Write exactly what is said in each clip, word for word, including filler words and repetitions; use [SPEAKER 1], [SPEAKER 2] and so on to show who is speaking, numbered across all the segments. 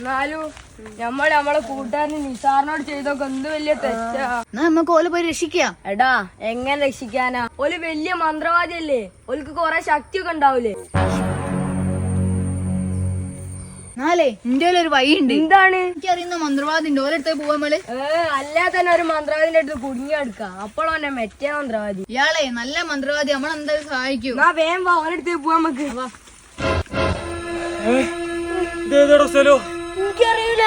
[SPEAKER 1] എന്നാലും നമ്മൾ നമ്മളെ കൂട്ടുകാരന് നിസാറിനോട് ചെയ്തൊക്കെ എന്ത് വലിയ തെറ്റാ.
[SPEAKER 2] നമുക്ക് ഓല് പോയി രക്ഷിക്കാം.
[SPEAKER 1] എടാ എങ്ങനെ രക്ഷിക്കാനാ? ഓല് വലിയ മന്ത്രവാദിയല്ലേ, ഓൽക്ക് കൊറേ ശക്തിയൊക്കെ ഉണ്ടാവൂലേ.
[SPEAKER 2] നാലേ എന്റെ ഒരു വഴിയുണ്ട്.
[SPEAKER 1] എന്താണ്?
[SPEAKER 2] എനിക്കറിയുന്ന മന്ത്രവാദിണ്ട്, ഓരടുത്ത് പോവാൻ മേള്.
[SPEAKER 1] ഏ അല്ലാതെ തന്നെ ഒരു മന്ത്രവാദിന്റെ അടുത്ത് കുടുങ്ങി എടുക്കാം. അപ്പോഴോന്നെ മെറ്റേ മന്ത്രവാദി.
[SPEAKER 2] ഇയാളെ നല്ല മന്ത്രവാദി, നമ്മളെന്തായാലും സഹായിക്കും.
[SPEAKER 1] എന്നാ വേഗം വാ, ഓരടുത്ത് പോവാൻ നമുക്ക്. എനിക്കറിയൂല.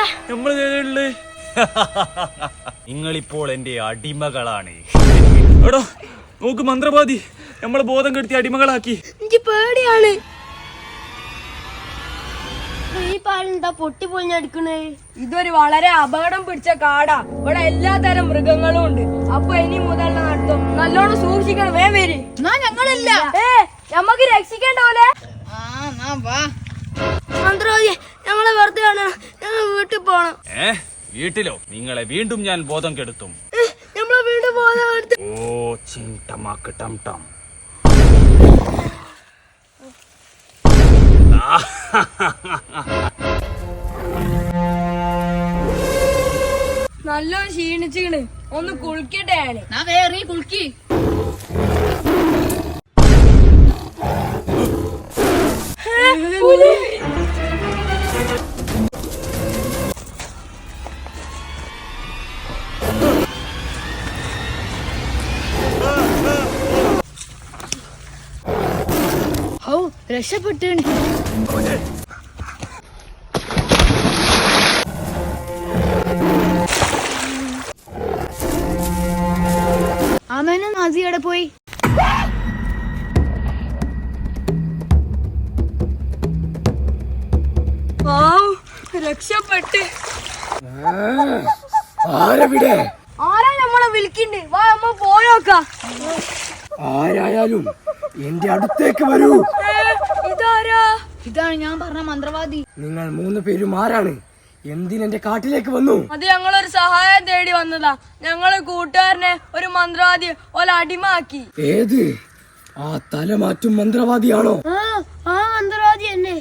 [SPEAKER 3] നിങ്ങളിപ്പോൾ എന്റെ അടിമകളാണ്. എടോ നോക്ക്, മന്ത്രവാദി നമ്മളെ ബോധം കെടുത്തി അടിമകളാക്കി.
[SPEAKER 1] എനിക്ക് പേടിയാണ്. ഈ പാലെന്താ പൊട്ടി പൊളിഞ്ഞെടുക്കണേ? ഇതൊരു വളരെ അപകടം പിടിച്ച കാടാ. ഇവിടെ എല്ലാ തരം മൃഗങ്ങളും ഉണ്ട്. അപ്പൊ ഇനി മുതൽ നടത്തും നല്ലോണം സൂക്ഷിക്കണം. വേ വരി.
[SPEAKER 2] ഞങ്ങളില്ല.
[SPEAKER 1] ഏ നമ്മക്ക് രക്ഷിക്കേണ്ട പോലെ. മന്ത്രവാദി ഞങ്ങളെ വെറുതെ ആണ്, ഞങ്ങൾ വീട്ടിൽ പോണം.
[SPEAKER 3] ഏ വീട്ടിലോ? നിങ്ങളെ വീണ്ടും ഞാൻ ബോധം കെടുത്തും.
[SPEAKER 1] നമ്മളെ വീണ്ടും ബോധം.
[SPEAKER 3] ഓ ചിന്തമാക്ക് ടം ടം.
[SPEAKER 1] നല്ല ക്ഷീണിച്ചിക്കണ്, ഒന്ന് കുളിക്കട്ടെ.
[SPEAKER 2] ഞാൻ വേറെ കുളിക്കി. ഓ രക്ഷപ്പെട്ടു. ആമേനും നാസിയുടെ പോയി.
[SPEAKER 1] രക്ഷപ്പെട്ട്.
[SPEAKER 4] ആരവിടെ?
[SPEAKER 1] ആരാ നമ്മളെ വിളിക്കണ്ട്? വാ നമ്മ പോയോക്കാം.
[SPEAKER 4] ആരായാലും എന്റെ അടുത്തേക്ക് വരൂ.
[SPEAKER 1] ഇതാരാ?
[SPEAKER 2] ഇതാണ് ഞാൻ പറഞ്ഞ മന്ത്രവാദി.
[SPEAKER 4] നിങ്ങൾ മൂന്ന് പേരും ആരാണ്? എന്തിനെന്റെ കാട്ടിലേക്ക് വന്നു?
[SPEAKER 1] അത് ഞങ്ങളൊരു സഹായം തേടി വന്നതാ. ഞങ്ങള് കൂട്ടുകാരനെ ഒരു മന്ത്രവാദി ഓല അടിമാക്കി.
[SPEAKER 4] ഏത്? ആ തലമാറ്റും മന്ത്രവാദിയാണോ?
[SPEAKER 1] ആ മന്ത്രവാദി എന്നെ.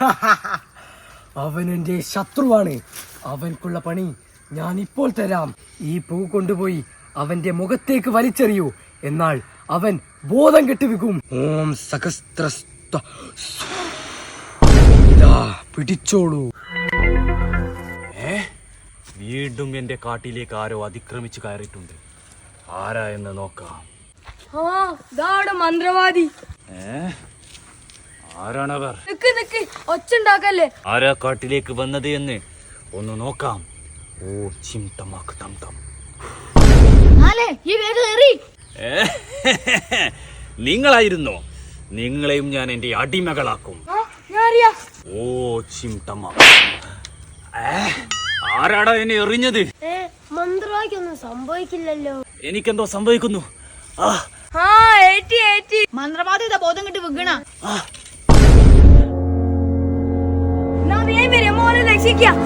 [SPEAKER 4] അവൻ എന്റെ ശത്രുവാണ്. അവൻക്കുള്ള പണി ഞാൻ ഇപ്പോൾ തരാം. ഈ പൂ കൊണ്ടുപോയി അവന്റെ മുഖത്തേക്ക് വലിച്ചെറിയൂ, എന്നാൽ അവൻ ബോധം കെട്ടുവെക്കും. ഓം സഹസ്രസ്ത. ഇതാ പിടിച്ചോളൂ.
[SPEAKER 3] ഏ വീണ്ടും എന്റെ കാട്ടിലേക്ക് ആരോ അതിക്രമിച്ചു കയറിയിട്ടുണ്ട്. ആരാ എന്ന് നോക്കാം.
[SPEAKER 1] ആ ഇതാണ് മന്ത്രവാദി.
[SPEAKER 3] ഏ ആരാണവർ?
[SPEAKER 1] നിക്ക് നിക്ക്, ഒച്ചുണ്ടാക്കല്ലേ.
[SPEAKER 3] ആരാ കാട്ടിലേക്ക് വന്നത് എന്ന് ഒന്ന് നോക്കാം. ഓ ചിന്തമാക്ക് ടം ടം.
[SPEAKER 2] നാലേ ഈ വേഗം എറി.
[SPEAKER 3] നിങ്ങളായിരുന്നോ? നിങ്ങളെയും ഞാൻ എന്റെ അടിമകളാക്കും. ഓ ചിന്തമാ. ആരാടാ എന്നെ എറിഞ്ഞത്?
[SPEAKER 1] മന്ത്രവാദിക്കൊന്നും സംഭവിക്കില്ലല്ലോ.
[SPEAKER 3] എനിക്കെന്തോ സംഭവിക്കുന്നു. ആ
[SPEAKER 2] മന്ത്രവാദി ഇതാ ബോധം കിട്ടി വിഗണ.
[SPEAKER 1] രക്ഷിക്കാം.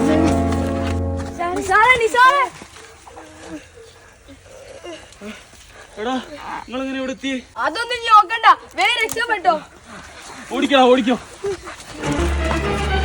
[SPEAKER 3] എടാ നിങ്ങളെങ്ങനെ ഇവിടെ എത്തി?
[SPEAKER 1] അതൊന്നും നോക്കണ്ട, വേഗം രക്ഷപ്പെട്ടോ.
[SPEAKER 3] ഓടിക്കോ ഓടിക്കോ.